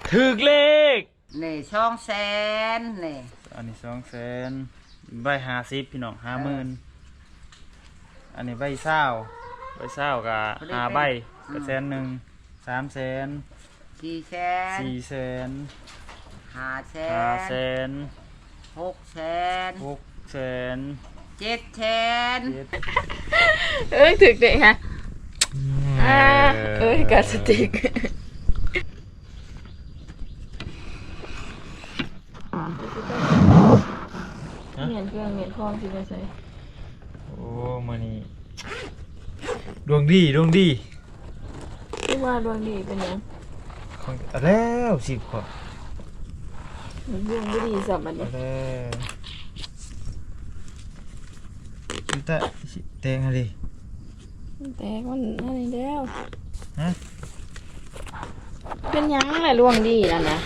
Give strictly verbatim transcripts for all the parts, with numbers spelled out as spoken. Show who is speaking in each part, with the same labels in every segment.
Speaker 1: ถึกเลข
Speaker 2: นี่ช่องแสนนี่
Speaker 1: อันนี้สองแสนใบห้าสิบพี่น้องห้าหมื่นอันนี้ใบเศร้าใบเศร้ากับห้าใบกับแสนหนึ่งสามแสน
Speaker 2: สี่แสน
Speaker 1: สี่แสน
Speaker 2: ห้าแส
Speaker 1: ห้าน แสน
Speaker 2: หกแสน
Speaker 1: หกแสน
Speaker 2: เจ็ดแสน
Speaker 3: เอ้ยถึกเด็กฮะอ่าเอ้ยกาสติกเหมียนเครื่องเหมียนคลองสิไปใส่
Speaker 1: โอ้มานี่ดวงดีดวงดี
Speaker 3: ที่ว่าดวงดีเป็นยัง
Speaker 1: ของแล้วสิบขวบ
Speaker 3: ดวงไม่ดีสับมันเนี่ย
Speaker 1: แต่แตงอะไร
Speaker 3: แต่มันอะไรแล้ว
Speaker 1: ฮะ
Speaker 3: เป็นยังอะไรดวงดีนั่นนะ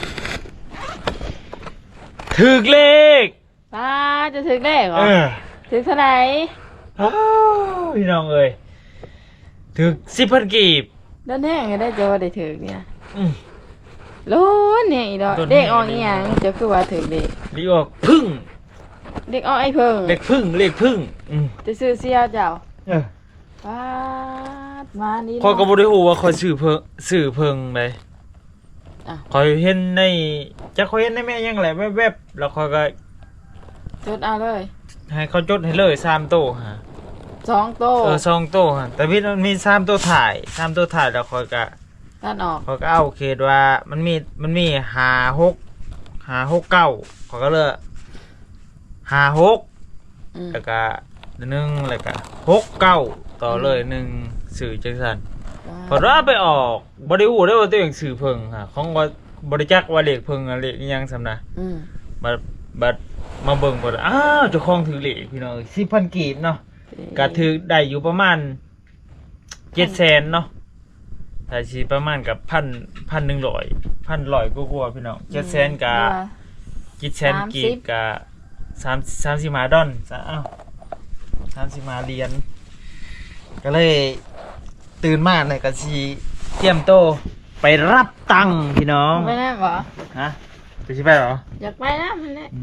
Speaker 1: ถึกเลข
Speaker 3: ป้าจะถึกเลขเหรอถึกเท่าไหร่
Speaker 1: พี่น้องเอ้ยถึกสิบพันกีบ
Speaker 3: ด้านแห้งได้จะว่าได้ถึกเนี่ยลุ้นเนี่ยอีดอกเด็กออกอีหยังจะคือว่าถึกเด็ก
Speaker 1: เด็กออกพึ่ง
Speaker 3: เด็กออกไอ้พึ่ง
Speaker 1: เด็กพึ่งเด็กพึ่ง
Speaker 3: จะซื้อเสียเจ้าป้ามานี่
Speaker 1: คอยก็บ่ได้ฮู้ว่าคอยซื้อเพิ่งซื้อเพิ่งเลยคอยเห็นในจะคอยเห็นในแม่ยังแหละแวบๆแล้วคอยก็
Speaker 3: จดเอาเลย
Speaker 1: ให้เขาจดให้เลยสามโต๊ะฮะ
Speaker 3: สองโต๊ะ
Speaker 1: เออสองโต๊ะฮะแต่พี่มันมีสามโต๊ะถ่ายสามโต๊ะถ่ายแล้วคอยก็
Speaker 3: ตัดออก
Speaker 1: คอยก็เอาเคสว่ามันมีมันมีห้าหกห้าหกเก้าคอยก็เลยห้าหกแล้วก็หนึ่งแล้วก็หกเก้าต่อเลยหนึ่งสื่อจังสันพอว่าไปออกบริวูได้ว่าตัวเองสื่อเพิงค่ะของว่าบริจักว่าเลขเพิงเลขยังสำนะบัดบัดมาเบิ่งก่อนอ้าวเจ้าของถือเลขพี่น้องสิบพันกีบเนาะก็ถือได้อยู่ประมาณเจ็ดแสนเนาะแต่ชีประมาณกับพันพันหนึ่งร้อยพันร้อยกว่าพี่น้องเจ็ดแสนกับเจ็ดแสนกีบกับสามสามสิบห้าดอลอ้าวสามสิบห้าเหรียญก็เลยตื่นมาเลยก็ชีเตรียมโตไปรับตังค์พี่น้อง
Speaker 3: ไปนะเหรอ
Speaker 1: ฮะไปชิไปเหรอ
Speaker 3: อยากไปนะมันเนี่ย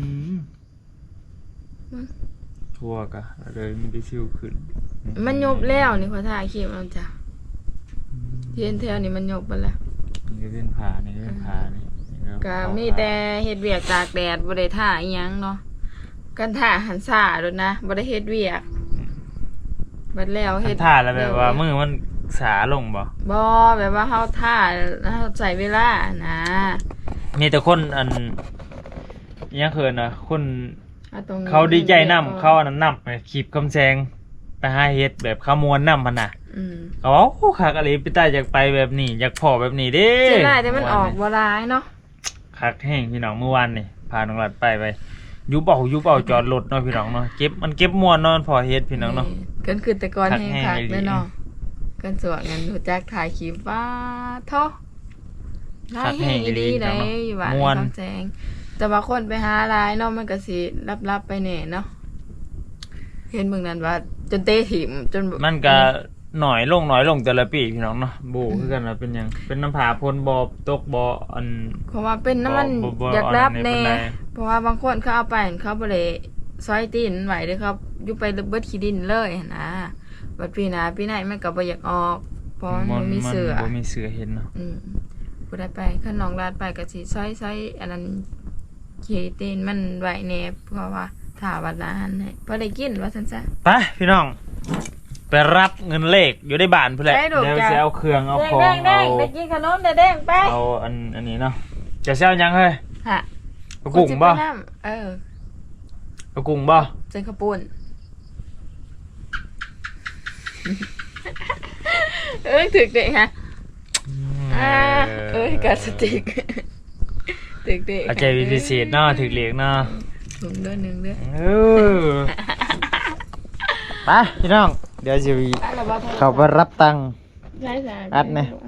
Speaker 1: ทั่วกะเลยมันได้ชิวขึ้น
Speaker 3: มันยบแล้วนี่ขอถ่ายคลิปเอาจ้ะเทียนเทียนนี่มันยบไปแล้ว
Speaker 1: นี่ก็เป็นผานี่เป็นผานี่
Speaker 3: ก็มีแต่เฮ็ดเวียกตากแดดบ่ได้ถ่าอีหยังเนาะกันถ่าหันซ่าโดนนะบ่ได้เฮ็ดเวียกบัดแล้วเฮ็ด
Speaker 1: ถ่าแล้วแบบว่ามือมันสาลงบ่
Speaker 3: บ่แบบว่าเฮาถ่าเฮาใส่เวลานะ
Speaker 1: มีแต่คนอันยังเขินนะคนเขาดีใจนำเขาอันนั้นนำไปขีบคำแซงไปหาเฮ็ดแบบขมวนนำมันน่ะเขาว่าโอ้คักอะไรไปใต้อยากไปแบบนี้อยากพอแบบนี้เด้
Speaker 3: เสียดายแต่มันออกบ่ร้ายเนาะ
Speaker 1: คักแห้งพี่น้องเมื่อวานนี่พาน้องหลัดไปไปยุบเอายุบเอาจอดรถเนาะพี่น้องเนาะเก็บมันเก็บมวนนอนพอเฮ็ดพี่น้องเนาะ
Speaker 3: เกินคือแต่ก่อนแห้งคักเลยเนาะกันสวกกันรู้จักถ่ายคลิปว่าท้อได้แห้งอีดีได้อยู่บ้านคำแซงแต่ว่าคนไปหาร้ายเนาะมันก็สิรับๆไปแน่เนาะเห็นเมืองนั้นว่าจนเตะถิ่มจน
Speaker 1: มันก็หน่อยลงหน่อยลงแต่ละปีพี่น้องเนาะบูคือกันว่าเป็นยังเป็นน้ำผาพ่นบ่ตกบ่อัน
Speaker 3: เพราะว่าเป็นน้ำมันอยากรับแน่เพราะว่าบางคนเขาเอาไปเขาบ่ได้ซอยตีนไหวเด้อครับอยู่ไปเบิดขี้ดินเลยนะบัดปีหน้าปีไหนมันก็บ่อยากออกเพราะมันมีเสือ
Speaker 1: บ่มีเสือเห็นเนาะ
Speaker 3: อืมบ่ได้ไปคันน้องลาดไปก็สิซอยๆอันนั้นขี้ตีนมันไหวแน่เพราะว่าถ้าวัดนั้นให้พอได้กินว่าซั่นซะ
Speaker 1: ไปพี่น้องไปรับเงินเลขอยู่ในบ้านเพื่อนเดี๋ยวจะเอาเครื่องเอาของเอา
Speaker 3: ไปกินขนมแดงไป
Speaker 1: เอาอันอันนี้เนาะจะเซลยังเฮ้ย
Speaker 3: ฮะ
Speaker 1: เอากุ้งบ่
Speaker 3: เออ
Speaker 1: เอากุ้งบ่
Speaker 3: เส้นข้าวปุ้นเอ้ยถึกเด็กฮะเอ้ยกาสติกถึกเด็ก
Speaker 1: อาจารย์พิเศษเนาะถึกเลี้ยงเนาะ
Speaker 3: ถุงเดือนหนึ่งเดือน
Speaker 1: เออไปพี่น้องเดี๋ยวจะเขาไปรับตังค์อัดเนี่ย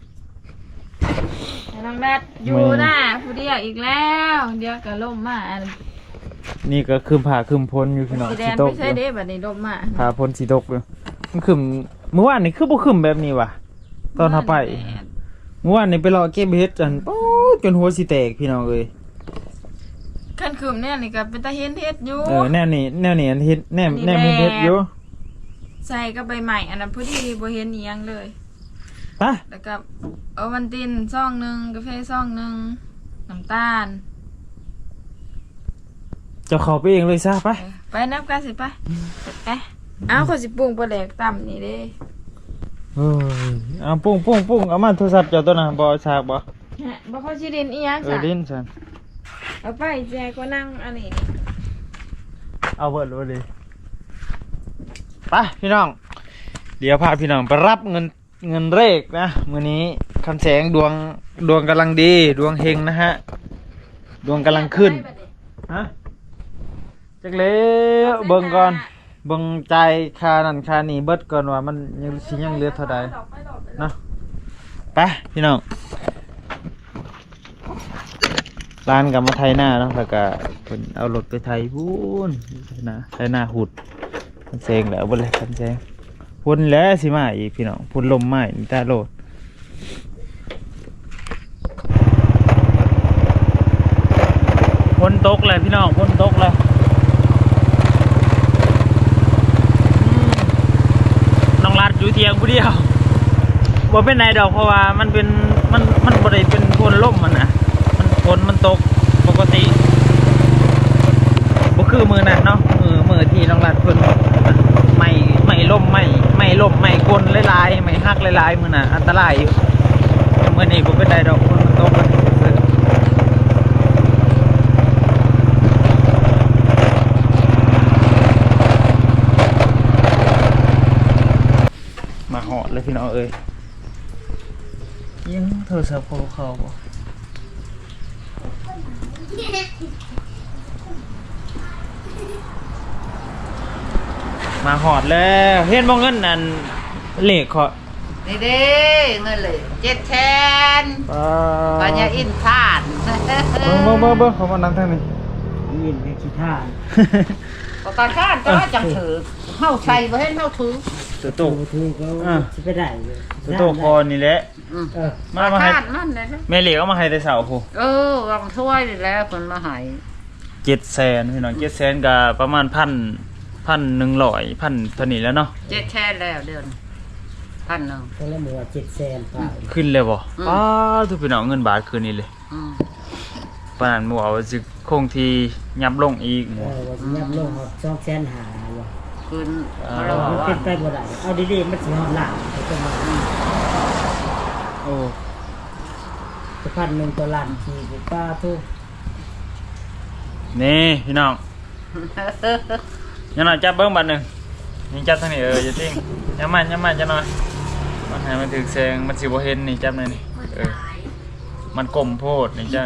Speaker 3: น้องนัดอยู่หน้าผู้เดียวอีกแล้วเดี๋ยวก็ล่มมา
Speaker 1: นี่ก็คืมผ่าคืมพ้นอยู่พี่น้อง
Speaker 3: สีตกไม่ใช่เด้แบบนี้ล่มมา
Speaker 1: ผ่าพ้นสีตกเลยมันคืมเมื่อวานนี่คือบ่คืมแบบนี้ว่ะตอนทาไปเมื่อวานนี่ไปรอเก็บเห็ดจันโอ้จนหัวสิแตกพี่น้องเอ้ย
Speaker 3: ขั้นคืมเนี่ยนี่ก็เป็นตาเห็นเฮ็ดอยู่
Speaker 1: เออแนวนี้แนวนี้อันเฮ็ดแนวแนวมีเฮ็ดอยู่
Speaker 3: ใส่กับใบใหม่อันนั้นพอดีบ่เห็นอีหยังเลย
Speaker 1: ไป
Speaker 3: แล้วก็เอาวันตินซองหนึงกาแฟซองหนึงน้ำตาล
Speaker 1: เจะเข้าไปเองเลยซะไป
Speaker 3: เออไปนับกันสิไปไปเอาขอยสิปรุงปลาแดกต่ำนี่เด้
Speaker 1: เอ้ยเอาปุ้งปุ้งปุ้งเอามาโทรศัพท์เจ้าตัวน่ะบ่ฉากบ่
Speaker 3: ฮะบ่เข้าสิเด่นอีหยัง
Speaker 1: เอ
Speaker 3: ซะ
Speaker 1: อลิ้นซั่น
Speaker 3: เอาไปแจกก็นั่งอันนี้
Speaker 1: เอาเบิดเลยดิไปพี่น้อง เดี๋ยวพาพี่น้องไปรับเงินเงินเลขนะมื้อนี้คำแสงดวงดวงกำลังดี ดวงเฮงนะฮะ ดวงกำลังขึ้นฮะจักแล้วเบิ่งก่อนเบิ่งใจายค่านั่นค่านี่เบิดก่อนว่ามันยังสิยังเหลือเท่าใดเนาะไปพี่น้องร้านกับมาไทยหน้าเนาะแล้วก็เพิ่นเอารถไปไทยพูนไทยหน้าไทยหน้าหุดคันแซงแล้วบ่เลยคันแซงพุ่นแล้วสิมาอีกพี่น้องพุ่นลมมาอีกตาโลดพ้นตกเลยพี่น้องพ้นตกเลยน้องรัดอยู่เทียงผู้เดียวบ่เป็นไรดอกเพราะว่ามันเป็นมันมันบ่ได้เป็นพ้นลมมันนะมันพ้นมันตกปกติบ่คือมือนั่นเนาะมือมือที่น้องรัดเพิ่นไม่ไม่ล่มไม่ไม่ล่มไม่กลหลายๆไม่หักหลายๆมือน่ะอันตรายอยู่มื้อนี้บ่เป็นไรดอกพ้นมันตกเลยมาหอดเลยพี่น้องเอ้ยยังโทรศัพท์เขาบ่มาหอดแล้วเห็นบ่เงินนั่นเลขเขา
Speaker 2: นี่เด้เงินเลยเจ็ดแสน
Speaker 1: ป้า
Speaker 2: ปัญญาอินทาน
Speaker 1: เบิ่งเบิ่งเบิ่งเบิ่งเขามานั่งทางนี้
Speaker 4: ยินในขี้ท่า
Speaker 2: ประกันข้านก็จังถือเฮาใส่บ่เห็นเฮาถือ
Speaker 1: ตัวโต
Speaker 4: ตัวทูก็
Speaker 1: อ่า
Speaker 4: จะไปได้เลย
Speaker 1: ตัวโตคอนี่แหละ
Speaker 2: อืม
Speaker 4: เออ
Speaker 1: มามาให้
Speaker 2: ข้านนั่นแหละนะ
Speaker 1: แม่เหล็กเอามาให้แต่เสาผู้
Speaker 2: เออวางถ้วยนี่แหล้วเพิ่นมาให้
Speaker 1: เจ็ดแสนพี่น้องเจ็ดแสนกับประมาณพันพันหนึ่งร้อยพันเท่านี้แล้วเนาะ
Speaker 2: เจ็ดแสนแล้วเดือนพันหนึง
Speaker 4: คนละหมู่เจ็ดแสนป่า
Speaker 1: ขึ้นเลยบ่
Speaker 2: อืม
Speaker 1: ป้าทุกพี่น้องเงินบาทคืนนี้เลย
Speaker 2: อืม
Speaker 1: ปานนั้นหมู่เอาสิคงที่ยับลงอีกห
Speaker 4: เอ
Speaker 1: มู่
Speaker 4: อว่าสิยับลงเอาสองแสนหาว่ะ
Speaker 2: คืน
Speaker 1: อ่า
Speaker 2: เขา
Speaker 4: เอา
Speaker 2: เรา
Speaker 4: มัน
Speaker 2: ว่า
Speaker 4: เป็นไปบ่ได้เอาดีๆมันสิฮอดล้านเอาจะมา
Speaker 1: โอ้
Speaker 4: จะพันหนึ่งต่อล้านทีกูป้าทุก
Speaker 1: นี่พี่น้องยังหน่อยจับเบิ้งบัตรหนึ่งนี่จับทางนี้เอออย่าทิ้งยังมันยังมันจะหน่อยมันให้มันถึงแสงมันสิบ่เห็นนี่จับหน่อยนี่เออมันกลมโพดนี่จ้า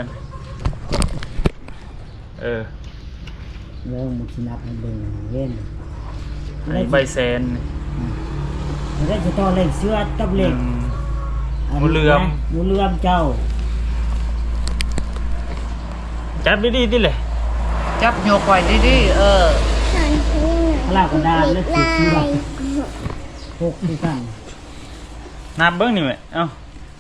Speaker 1: เออ
Speaker 4: เรื่องมันสินับให้เบิ่งเว้น
Speaker 1: อันนี้ใบแซน
Speaker 4: มันได้จะต่อเลขเสื้อกับ
Speaker 1: ห
Speaker 4: เล
Speaker 1: นึ่
Speaker 4: ข
Speaker 1: ง
Speaker 4: นนี้
Speaker 1: หมู่เหลื่อม
Speaker 4: นะหมูเหลื่อมเจ้า
Speaker 1: จับดีๆดิเลย
Speaker 2: จับโยกไว้ดีๆเออ
Speaker 4: พลากระดานและสีเสื้อหกที่กัน
Speaker 1: นับเบิ้งนี่แหละเอ้า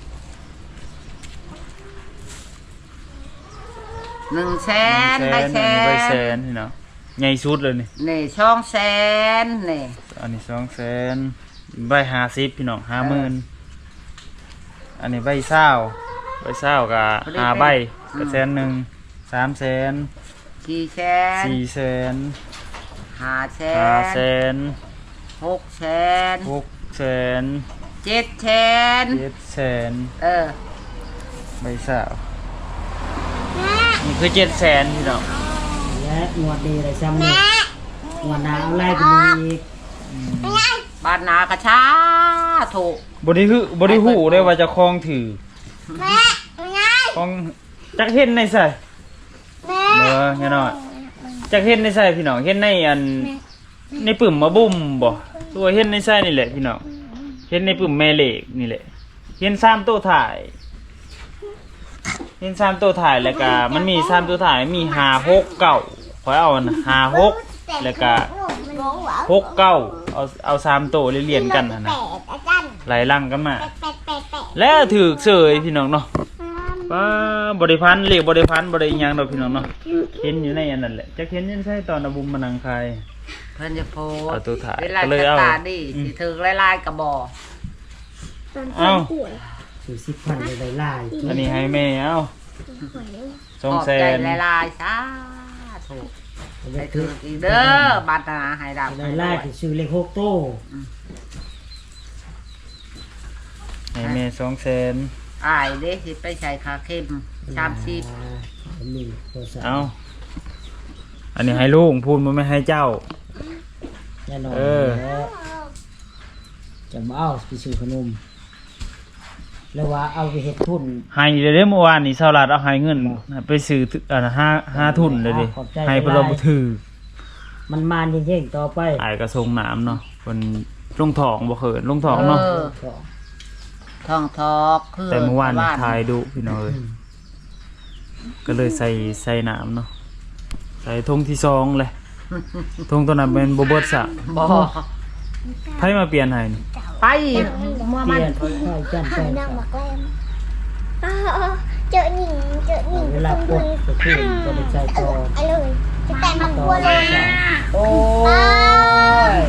Speaker 2: หนึ่งแสน
Speaker 1: หนึ่ง
Speaker 2: ได้แส
Speaker 1: อันนี้ใบแซ
Speaker 2: น
Speaker 1: นพี่น้องใหญ่สุดเลยนี่
Speaker 2: นี่ช่องแสนนี่
Speaker 1: อันนี้สองแสนใบห้าสิบพี่น้องห้าหมื่นอันนี้ใบเศร้าใบเศร้ากับห้าใบกับแสนหนึ่งสามแสน
Speaker 2: กี่แสน
Speaker 1: สี่แสน
Speaker 2: ห้าแส
Speaker 1: ห้าน แสน
Speaker 2: หกแสน
Speaker 1: หกแสน
Speaker 2: เจ็ดแสน
Speaker 1: เจ็ดแสน
Speaker 2: เออ
Speaker 1: ใบเศร้านี่คือเจ็ดแสนพี่น้อง
Speaker 4: และงวดดีอะไรซ้ำนี่งวดหน้าเอาไล่ไปอีก
Speaker 2: บ้านนากระชาถูก
Speaker 1: บริหูบริหูได้ว่าจะคลองถือคลองจักเห็นในใส่เออแน่นอนจักเห็นในใส่พี่น้องเห็นในอันในปุ่มมาบุ่มบ่ตัวเห็นในใส่นี่แหละพี่น้องเห็นในปุ่มแม่เหล็กนี่แหละเห็นสามตัวถ่ายเห็นสามตัวถ่ายแล้วก็มันมีสามตัวถ่ายมีห้าหกเก้าขอเอาห้าหกแล้วก็หกเก้าเอาเอาสามตัวเรียนๆกันนะนะไหลลังกันมา แล้วถือเสยพี่น้องเนาะป้าบริพันธ์เรียกบริพันธ์บริยังเราพี่น้องเนาะเห็นอยู่ในอันนั้นแหละจะเห็นยังใช่ตอนอบุมมานังคาย
Speaker 2: เพิ่นจะโพส
Speaker 1: เอาตัวถ่าย
Speaker 2: เวลา
Speaker 1: ก็เลย
Speaker 2: จะ
Speaker 1: เอา
Speaker 2: ตาดีสิถือลายๆกระบอก
Speaker 1: เอ้า
Speaker 4: สี่สิบพันเลยลาย
Speaker 1: อันนี้ให้แม่เอ้าสอง
Speaker 2: ขอบ
Speaker 1: แส
Speaker 2: ใจ
Speaker 1: น
Speaker 2: ลายๆซะถูกให้ถืออีกเด้อบัตรนาให้ดำ
Speaker 4: ลายลายที่ซื้อเลขหกโต้
Speaker 1: ให้แม่สองแสน
Speaker 2: อายเด้สิไปใช้คาเข้มสามสิบ
Speaker 4: มีโทรศัพท์
Speaker 1: เอ้าอันนี้ให้ลูกพูดมันไม่ให้เจ้า
Speaker 4: แน่นอน
Speaker 1: เออ
Speaker 4: จะมาเอาไปซื้อขนมแล้วว่าเอาไปเฮ็ดทุน
Speaker 1: ให้เดี๋ยวเด้เมื่อวานนี่เสาลัดเอาให้เงินไปซื้ออ่าห้าห้าทุนเลยดิให้เพนเราบ่ถือ
Speaker 4: มันมานเย่งๆต่อไป
Speaker 1: อายกระทรงน้ำเนาะคนลงทองบ่เขินลงทองเนาะ
Speaker 2: เออทองทอกคือ
Speaker 1: แต่เมื่อวาน
Speaker 2: บ้
Speaker 1: ทายดุพี่น้องเอ้ยก็เลยใส่ใส่น้ำเนาะใส่ธงที่สองเลยธงตัวนั้นเป็นโบเบิร์ตสะ
Speaker 2: บ่
Speaker 1: ไผมาเปลี่ยนให้นี่
Speaker 2: ไปเมื่อ
Speaker 4: เป
Speaker 2: มัน
Speaker 4: ลี่ยนค่อยๆจันไป
Speaker 5: นั่งหมักแรมอ่าเจอหนิงเจอหนิง
Speaker 4: เวลา
Speaker 5: ต
Speaker 4: ก
Speaker 5: รง
Speaker 4: ด
Speaker 5: นี้
Speaker 4: ก็ขึ้นก็ไปใส่ต่อ
Speaker 5: ไอ้เลยจะแต่มัน
Speaker 4: ต่
Speaker 5: ก
Speaker 4: อ
Speaker 5: ลัวเลย
Speaker 4: สอง
Speaker 2: โอ้ย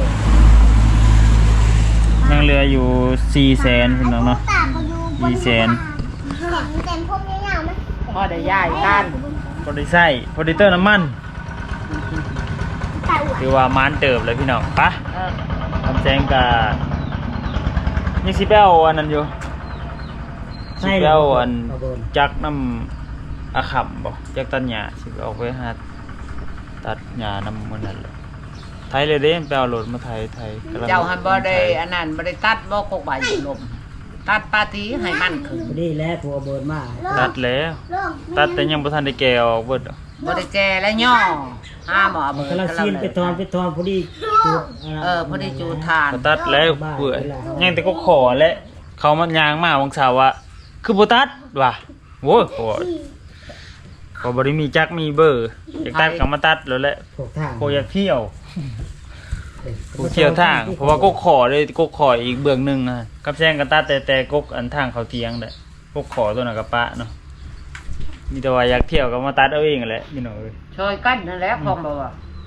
Speaker 1: ยังเหลืออยู่สี่แสนพี่น้องเนาะ
Speaker 5: ตาเขาอยู่บน
Speaker 1: สี่แสน
Speaker 5: เต็มพวกนี้ยาวไหม
Speaker 2: พอได้ย้ายกัน
Speaker 1: พอได้ใส่พอได้เติมน้ำมัน
Speaker 5: ตาอวด
Speaker 1: คือว่ามานเติบเลยพี่น้องปะ
Speaker 2: เออ
Speaker 1: ทำแจงกับยังสิไปเอาอันนั้นอยู่สิไปเอาอัน
Speaker 4: เอาเบิร์น
Speaker 1: จักน้ำอาขำบอกจักตัดหญ้าสิไปเอาไปหาตัดหญ้าน้ำมันนั่นแหละไทยเลยเด้ไปเอารถมาไทยไทยกำลัง
Speaker 2: เจ้าหันบ่ได้อันนั้นบ่ได้ตัดบ่กกใบลมตัดปาทีให้มันขึ้น
Speaker 4: พอดีแล้วตัวเบิร์นมา
Speaker 1: ตัดแล้ว
Speaker 5: เริ่ม
Speaker 1: ตัดแต่ยังบ่ทันได้แก่ออกเบิดดอก
Speaker 2: บ่ได้แจและย่อห้าหมอ
Speaker 4: มัน
Speaker 2: เบิด
Speaker 4: กำลังซีนไปทอนไปทอนพอดีจุด
Speaker 2: เออพอดีจูทาน
Speaker 1: ก็ตัดแล้วเปื่อยยังแต่ก็ขอและเขามันยางมาวังสาวว่าคือบ่ตัดว่ะโว้ยขอขอบ่ได้มีจักมีเบอร์อยากตัดก็มาตัดแล้วแหละ
Speaker 4: พวกทาง
Speaker 1: โคอยากเที่ยวกูเที่ยวทาง เพราะว่าก็ขอเลยก็ขออีกเบื้องหนึงอ่ะกับแซงกันตัดแต่แต่กกอันทางเขาเตียงแหละก็ขอตัวน่ะกับปะเนาะมีแต่ว่าอยากเที่ยวก็มาตัดเอาเองแหละพี่น้องเอ้ย
Speaker 2: ช่วยกันนั่นแหละของบ่ว่า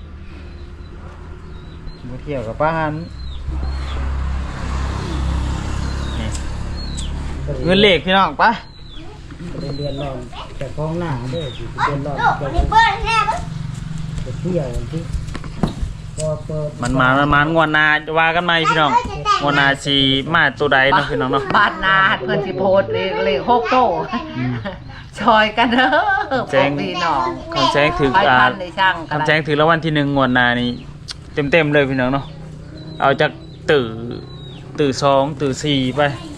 Speaker 1: มาเที่ยวกับป้าหันนี่เงินเหล็กพี่น้องปะ
Speaker 4: เดือนร้อนแต่กองหน้าเด้อสิเดือนร้อน
Speaker 5: ลูก
Speaker 4: ไป
Speaker 5: วันนี้เปิดแน่ปะ
Speaker 4: เที่ยวที่พอเปิด
Speaker 1: มันมามันมางวดหนาว่ากันไหมพี่น้องงวดหนาสีมาตัวใดเนาะพี่น้องเนาะ
Speaker 2: บ้านนาเพิ่นสิโพสต์เลขเลขหกโตช่วยกันเด้อพวกพี่น้อง
Speaker 1: คำแจ้งถึง
Speaker 2: ไป
Speaker 1: อ่า
Speaker 2: พันในช่างกัน
Speaker 1: คำแจ้งถึงแล้ววันที่หนึ่งงวดหนานี่เต็มเต็มๆเลยพี่น้องเนาะเอาจากตื่ตื่สองตื่สี่ไป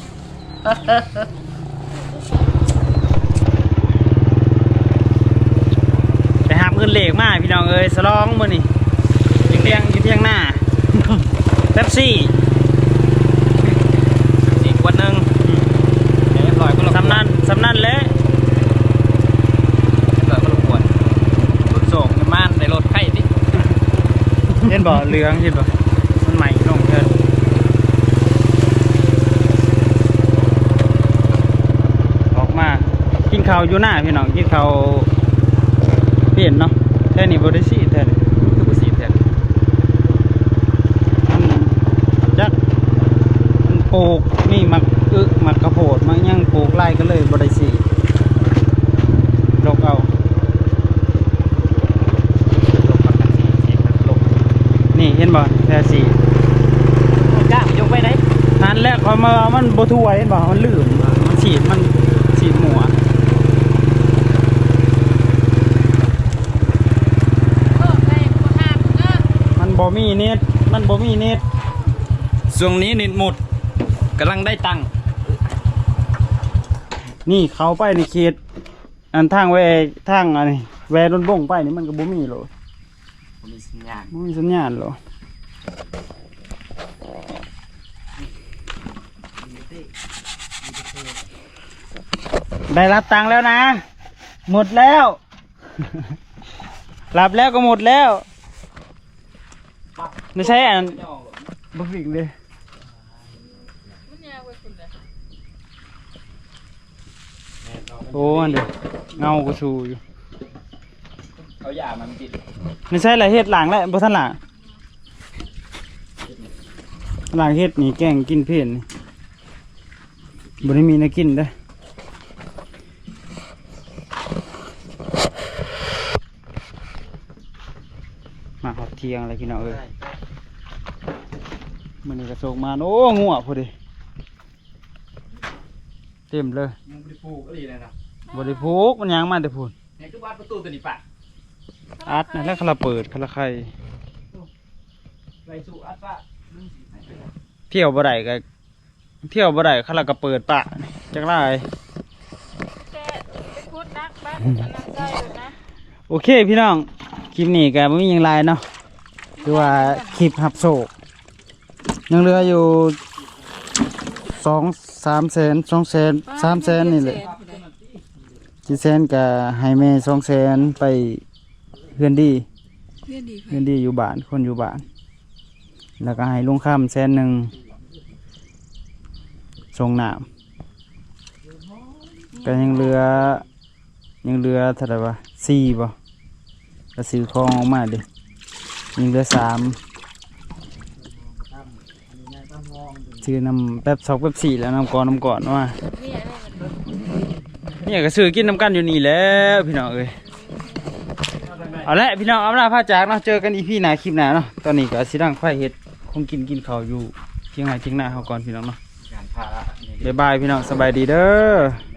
Speaker 1: ไปหาเงินเหล็กมาพี่น้องเอ้ยสลองมื้อนี่ยังเลี้ยงอยู่เที่ยงหน้า เป๊ปซี่อีกวันหนึ่งสำนันสำนันแล้วเกิดมาลงขวดรถส่งม่านในรถไข่ดิเห็นบ่เหลืองเห็นบ่มันใหม่ลงเถินออกมากินข้าวอยู่หน้าพี่น้องกินข้าวเปลี่ยนเนาะแค่นี้บ่ได้สิแท้เลยคือบ่สิแท้จักมันปลูกนี่มักอึมักกระโพดมักยังปลูกไร่ก็เลยบ่ได้สิลกเอานี่เห็นบ่แท้สิก้ายกไปไหนนั่นแหละพอมามันบ่ทั่วเห็นบ่มันลื่นมันฉีดมันฉีดหมัวมันบ่มีเน็ตมันบ่มีเน็ตช่วงนี้เน็ตหมดกำลังได้ตังค์นี่เขาไปในเขตอันทางแวทางอันนี้แวรถบ่งไปนี่มันก็บ่มีหรอก
Speaker 2: มีสัญญาณ
Speaker 1: บ่มีสัญญาณหรอได้รับตังค์แล้วนะ หมดแล้ว รับแล้วก็หมดแล้วไม่ใช่อันบ่ฟิกเลย
Speaker 6: โอ้อันเดียวเงาก็ชูอยู่
Speaker 1: เอาหยามันติด
Speaker 6: ไม่ใช่อะไรเฮ็ดหลังแล้วบ่ทันหลังหลังเฮ็ดนี่แกงกินเพี้ยนนี่บ่ได้มีแนวกินเด้อมาหอดเที่ยงอะไรกินเอาเอ้ยมันนี่กระโศกมาโอ้งัวพอดีเต็มเลย
Speaker 1: ยังบริพูก็ดีเลยนะ
Speaker 6: บริพูกมันยังมาแต่พูน
Speaker 1: นี่คือบ้านประตูตัวนี้ปะ
Speaker 6: อัดนะแล้วคาราเปิดคาราไข่
Speaker 1: ไรสู่อัดปะ
Speaker 6: เที่ยวบ่ได้ก็เที่ยวบ่ได้คาราก็เปิดปะจักไร
Speaker 3: แต่ไปพูดนักบ้านอันนั้นใจอยู่นะ
Speaker 6: โอเคพี่น้องคลิปนี้ก็ไม่มีหยังไรเนาะคือว่าคลิปหับโศกยังเหลืออยู่สองสามแสนสองแสนสามแสนนี่แหละจีแสนกับไฮเมสองแสนไปเพื่อนดี
Speaker 3: เพื่อนดี
Speaker 6: เพื่อนดีอยู่บ้านคนอยู่บ้าน แล้วก็ให้ลุงข้ามแสนหนึ่งส่งน้ำก็ยังเหลือยังเหลือเท่าไหร่วะสี่บ่ก็ซื้อของออกมาดิยังเหลือสามซื้อน้ำแป๊บสองแป๊บสี่แล้วน้ำก่อนน้ำก่อนว่าเนี่ยก็ซื้อกินน้ำกันอยู่นี่แล้วพี่น้องเอ้ยเอาละพี่น้องเอาละพาจากเนาะเจอกันอีพีหน้าคลิปหน้าเนาะตอนนี้ก็สิดังไฟเฮ็ดคงกินกินข้าวอยู่เที่ยงไหนเที่ยงหน้าเขาก่อนพี่น้องเนาะ
Speaker 1: การพา
Speaker 6: บ๊ายบายพี่น้องสบายดีเด้อ